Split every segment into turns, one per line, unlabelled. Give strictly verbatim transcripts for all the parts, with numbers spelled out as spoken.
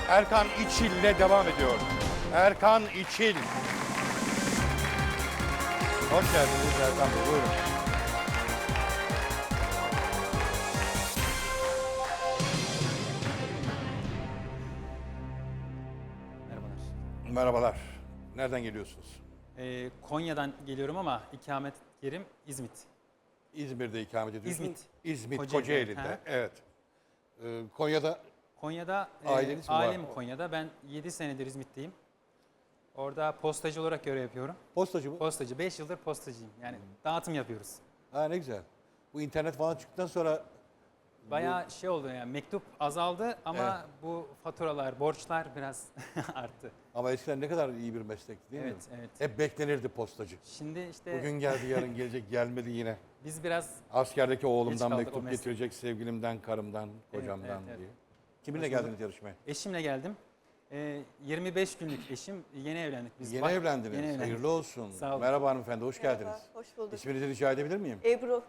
Erkan İçil ile devam ediyor. Erkan İçil. Hoş geldiniz Erkan Bey, buyurun.
Merhabalar.
Merhabalar. Nereden geliyorsunuz?
Ee, Konya'dan geliyorum ama ikamet yerim İzmit.
İzmir'de ikamet ediyorsunuz.
İzmit.
İzmit,
Kocaeli,
Kocaeli'de.
ha.
Evet. Ee, Konya'da
Konya'da, e,
Aileniz mi var?
ailem Konya'da. Ben yedi senedir İzmit'teyim. Orada postacı olarak görev yapıyorum.
postacı mı?
Postacı, beş yıldır postacıyım. Yani dağıtım yapıyoruz.
Ha, ne güzel. Bu internet falan çıktıktan sonra
Bayağı şey oldu yani, mektup azaldı ama
Evet.
bu faturalar, borçlar biraz arttı.
ama eskiden ne kadar iyi bir meslekti değil
Evet,
mi?
evet.
Hep beklenirdi postacı.
Şimdi işte
Bugün geldi, yarın gelecek, gelmedi yine.
biz biraz
Askerdeki
Geç
oğlumdan
kaldık o
mektup
mesleğe.
getirecek, sevgilimden, karımdan, kocamdan
evet, evet.
diye. Kiminle
Hoş bulduk.
geldiniz yarışmaya?
eşimle geldim. Ee, yirmi beş günlük eşim, yeni evlendik biz.
Yeni
Bak-
evlendiniz.
Yeni evlendik.
Hayırlı olsun.
Sağ olun.
Merhaba hanımefendi, hoş
Merhaba,
geldiniz.
hoş bulduk.
İsminizi rica edebilir miyim?
Ebru,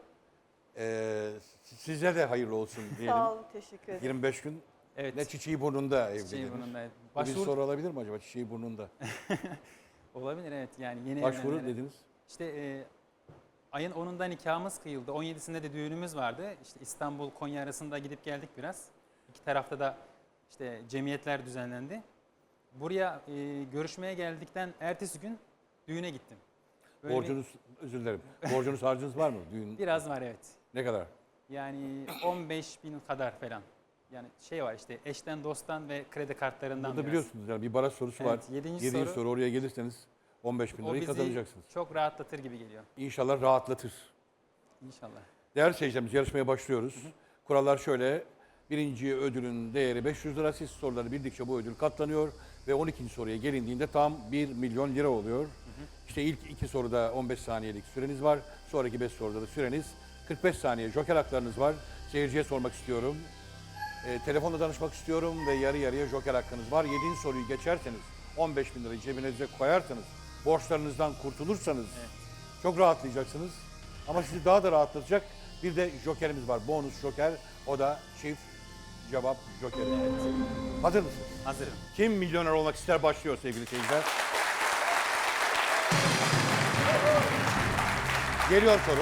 Ee, size de hayırlı olsun diyelim.
sağ olun, teşekkür ederim.
yirmi beş gün
Evet.
ne çiçeği burnunda evliydiniz.
Çiçeği burnunda.
Bu bir
Başvuru
soru olabilir mi acaba, çiçeği burnunda?
olabilir, evet, yani yeni
Başvuru
evlenenlere.
dediniz.
İşte e, ayın onunda nikahımız kıyıldı. on yedisinde de düğünümüz vardı. İşte İstanbul Konya arasında gidip geldik biraz. İki tarafta da işte cemiyetler düzenlendi. Buraya e, görüşmeye geldikten ertesi gün düğüne gittim. Böyle bir-
Borcunuz, özür dilerim. Borcunuz harcınız var mı? Düğün
biraz var, evet.
ne kadar?
Yani on beş bin kadar falan. Yani şey var işte, eşten dosttan ve kredi kartlarından
Burada
biraz.
biliyorsunuz yani bir baraj sorusu
Evet,
var.
yedinci
Yedinci
soru.
soru, oraya gelirseniz on beş bin
O
lirayı
bizi
kazanacaksınız.
çok rahatlatır gibi geliyor.
İnşallah rahatlatır.
İnşallah.
Değerli seyircilerimiz, yarışmaya başlıyoruz. Kurallar şöyle. Birinci ödülün değeri beş yüz lira. Siz soruları bildikçe bu ödül katlanıyor. Ve on ikinci soruya gelindiğinde tam bir milyon lira oluyor. İşte ilk iki soruda on beş saniyelik süreniz var. Sonraki beş soruda da süreniz kırk beş saniye. Joker haklarınız var. Seyirciye sormak istiyorum. E, telefonla danışmak istiyorum ve yarı yarıya joker hakkınız var. yedinci soruyu geçerseniz, on beş bin lirayı cebinize koyarsanız, borçlarınızdan kurtulursanız çok rahatlayacaksınız. Ama sizi daha da rahatlatacak bir de jokerimiz var. Bonus joker. O da çift cevap jokeri. Hazır mısınız?
Hazırım.
Kim milyoner olmak ister başlıyor sevgili seyirciler. Geliyor soru.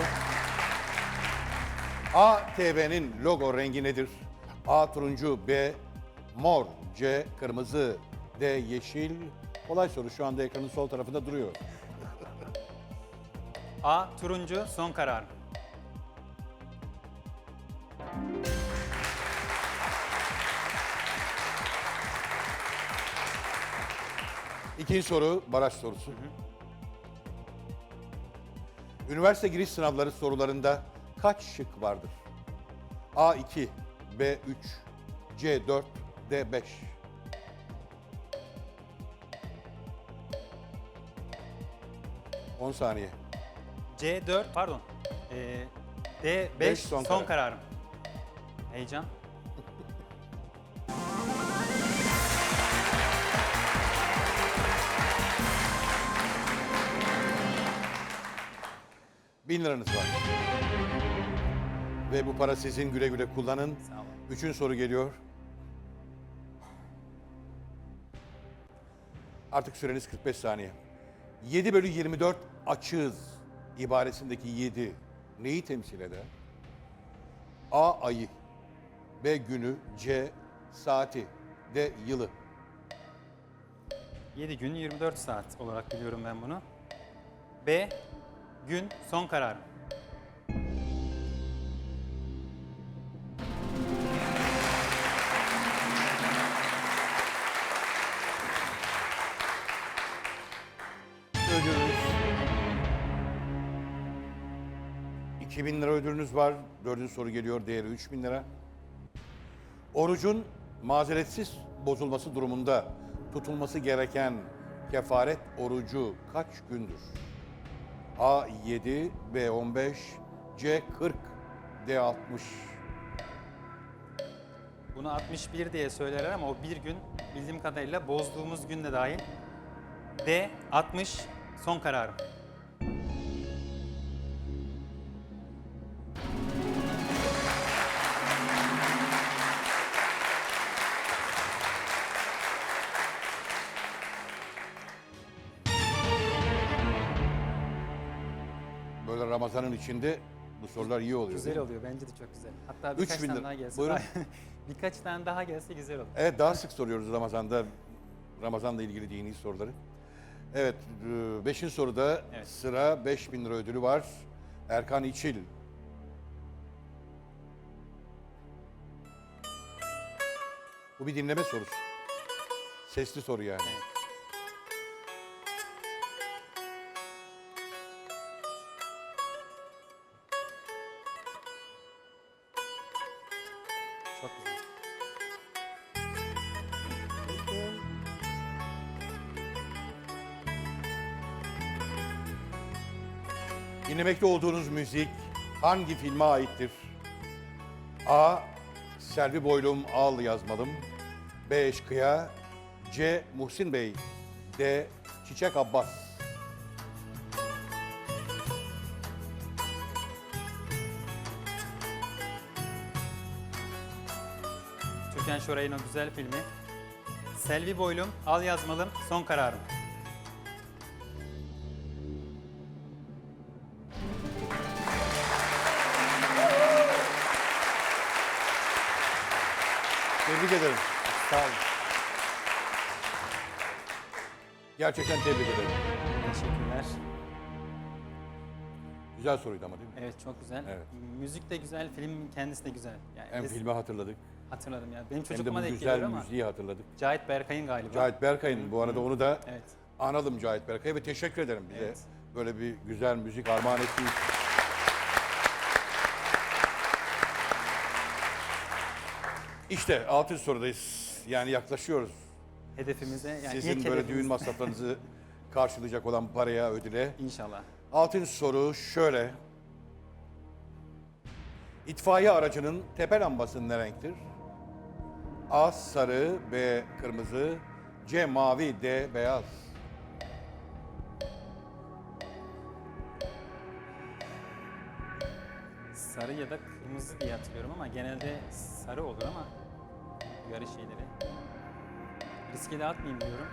A T V'nin logo rengi nedir? A turuncu, B mor, C kırmızı, D yeşil. Kolay soru, şu anda ekranın sol tarafında duruyor.
A. Turuncu, son karar.
İkinci soru baraj sorusu. Üniversite giriş sınavları sorularında kaç şık vardır? A iki, B üç, C dört, D beş. on saniye.
C dört, pardon. Ee, D beş,
Beş, son
son,
karar.
kararım. Heyecan.
Bin liranız var. Ve bu para sizin, güle güle kullanın.
Sağ olun.
Üçüncü soru geliyor. Artık süreniz kırk beş saniye. yedi bölü yirmi dört açığız ibaresindeki yedi neyi temsil eder? A ayı, B günü, C saati, D yılı.
yedi gün yirmi dört saat olarak biliyorum ben bunu. B. Gün, son kararım.
Ödülünüz. iki bin lira ödülünüz var. Dördüncü soru geliyor. Değeri üç bin lira. Orucun mazeretsiz bozulması durumunda tutulması gereken kefaret orucu kaç gündür? A yedi, B on beş, C kırk, D altmış.
Bunu altmış bir diye söylerler ama o bir gün bildiğim kadarıyla bozduğumuz gün de dahil. D. altmış, son kararım.
Ramazan'ın içinde bu sorular iyi oluyor.
Güzel
değil mi?
oluyor. Bence de çok güzel. Hatta
Üç
birkaç
bin
tane
lira.
daha gelse.
Buyurun.
daha- birkaç tane daha gelse güzel olur.
Evet, daha sık soruyoruz Ramazan'da. Ramazan'la ilgili dini soruları. Evet, e, beşinci soruda
Evet.
sıra beş bin lira ödülü var. Erkan İçil. Bu bir dinleme sorusu. Sesli soru yani.
Evet. Çok güzel.
Dinlemekte olduğunuz müzik hangi filme aittir? A. Selvi Boylum Al Yazmalım. B. Eşkıya. C. Muhsin Bey. D. Çiçek Abbas.
Türkan Şoray'ın o güzel filmi. Selvi Boylum, Al Yazmalım, Son Kararım.
Tebrik ederim.
Sağ olun.
Gerçekten tebrik ederim.
Teşekkürler.
Güzel soruydu ama değil mi?
Evet, çok güzel.
Evet.
Müzik de güzel, film kendisi de güzel. Yani
Hem
biz-
filmi hatırladık
hatırladım ya. Benim
hem de
çocukluğuma
bu
denk
güzel
geliyor ama
müziği hatırladık.
Cahit Berkay'ın galiba.
Cahit Berkay'ın bu arada onu da
Evet.
analım Cahit Berkay'a ve teşekkür ederim bize
Evet.
böyle bir güzel müzik armağan ettiği için. İşte altın sorudayız. Yani yaklaşıyoruz.
Hedefimize yani
Sizin
ilk
böyle
hedefimiz-
düğün masraflarınızı karşılayacak olan paraya, ödüle.
İnşallah.
Altın soru şöyle. İtfaiye aracının tepe lambası ne renktir? A. Sarı, B. Kırmızı, C. Mavi, D. Beyaz.
Sarı ya da kırmızı diye hatırlıyorum ama genelde sarı olur ama yarı şeyleri. Riske de atmayayım diyorum.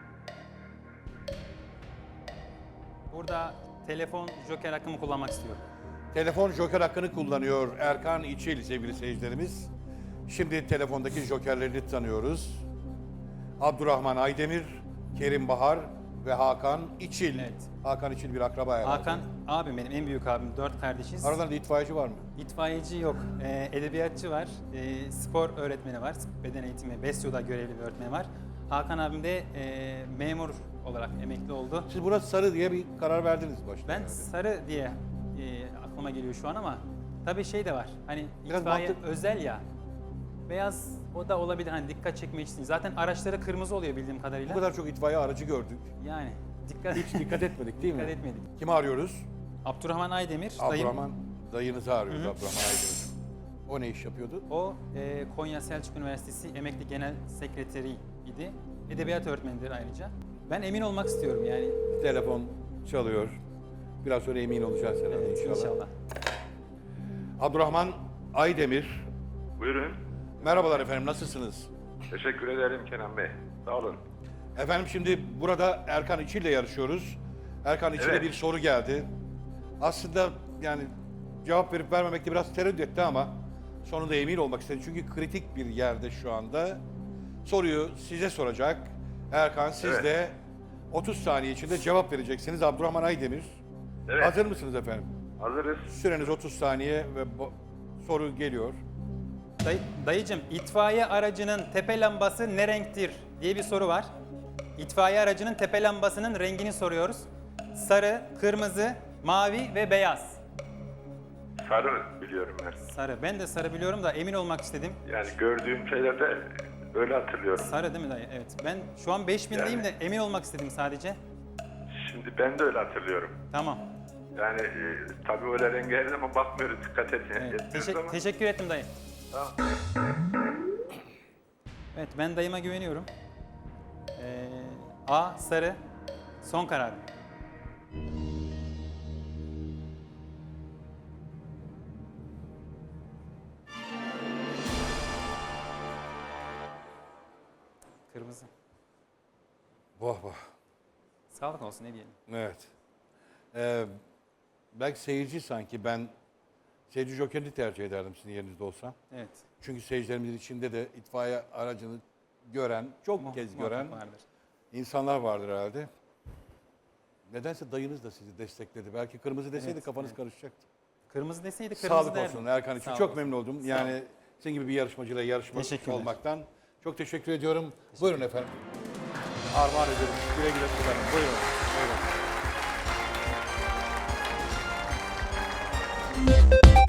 Burada telefon joker hakkımı kullanmak istiyorum.
Telefon joker hakkını kullanıyor Erkan İçil sevgili seyircilerimiz. Şimdi telefondaki jokerlerini tanıyoruz. Abdurrahman Aydemir, Kerim Bahar ve Hakan İçil.
Evet.
Hakan İçil bir akraba herhalde.
Hakan abim benim en büyük abim. Dört kardeşiz.
Aralarında itfaiyeci var mı?
İtfaiyeci yok. Ee, edebiyatçı var. Ee, spor öğretmeni var. Beden eğitimi, Besyo'da görevli bir öğretmen var. Hakan abim de e, memur olarak emekli oldu.
Siz buna sarı diye bir karar verdiniz başta.
Ben
herhalde.
sarı diye e, aklıma geliyor şu an ama tabii şey de var. Hani
Biraz
itfaiye
mantık-
özel ya. Beyaz o da olabilir hani dikkat çekmek için. Zaten araçları kırmızı oluyor bildiğim kadarıyla.
Bu kadar çok itfaiye aracı gördük.
Yani dikkat
Hiç dikkat etmedik değil mi?
dikkat etmedik.
Kimi arıyoruz?
Abdurrahman Aydemir dayım.
Abdurrahman dayınızı arıyoruz Abdurrahman Aydemir. O ne iş yapıyordu?
O e, Konya Selçuk Üniversitesi emekli genel sekreteri idi. Edebiyat öğretmenidir ayrıca. Ben emin olmak istiyorum yani.
Telefon çalıyor. Biraz sonra emin olacağız herhalde
Evet,
inşallah.
inşallah.
Abdurrahman Aydemir.
Buyurun.
Merhabalar efendim, nasılsınız?
Teşekkür ederim Kenan Bey. Sağ olun.
Efendim şimdi burada Erkan İçil ile yarışıyoruz. Erkan İçil'e
Evet.
bir soru geldi. Aslında yani cevap verip vermemekte biraz tereddüt etti ama sonunda emin olmak istedi. Çünkü kritik bir yerde şu anda. Soruyu size soracak. Erkan siz
Evet.
de otuz saniye içinde cevap vereceksiniz. Abdurrahman Aydemir.
Evet.
Hazır mısınız efendim?
Hazırız.
Süreniz otuz saniye ve bo- soru geliyor.
Day, dayıcım itfaiye aracının tepe lambası ne renktir diye bir soru var. İtfaiye aracının tepe lambasının rengini soruyoruz. Sarı, kırmızı, mavi ve beyaz.
Sarı biliyorum ben.
Sarı. Ben de sarı biliyorum da emin olmak istedim.
Yani gördüğüm şeylerde öyle hatırlıyorum.
Sarı değil mi dayı? Evet. Ben şu an beş bindeyim
Yani.
de emin olmak istedim sadece.
Şimdi ben de öyle hatırlıyorum.
Tamam.
Yani e, tabii öyle renge her zaman bakmıyoruz, dikkat et,
Evet.
etmiyoruz
Teşek-
ama.
teşekkür ettim dayı.
Tamam.
Evet ben dayıma güveniyorum. Ee, A sarı. Son karar. Kırmızı.
Vah vah.
Sağlık olsun ne diyelim.
Evet. Ee, belki seyirci sanki ben seyirci jokerini tercih ederdim sizin yerinizde olsam.
Evet.
Çünkü seyircilerimizin içinde de itfaiye aracını gören, çok
Muh-
kez
muhakkak
gören
vardır.
insanlar vardır herhalde. Nedense dayınız da sizi destekledi. Belki kırmızı deseydi
Evet,
kafanız
evet.
karışacaktı.
Kırmızı deseydi kırmızı
Sağlık
derdim.
olsun Erkan için.
Sağ
Çok
olsun.
memnun oldum.
Sağ
Yani
olun.
senin gibi bir yarışmacıyla yarışmak
Teşekkürler.
olmaktan çok teşekkür ediyorum. Buyurun efendim. Armağan ediyorum. Güle güle kullanın. Buyurun. Buyurun.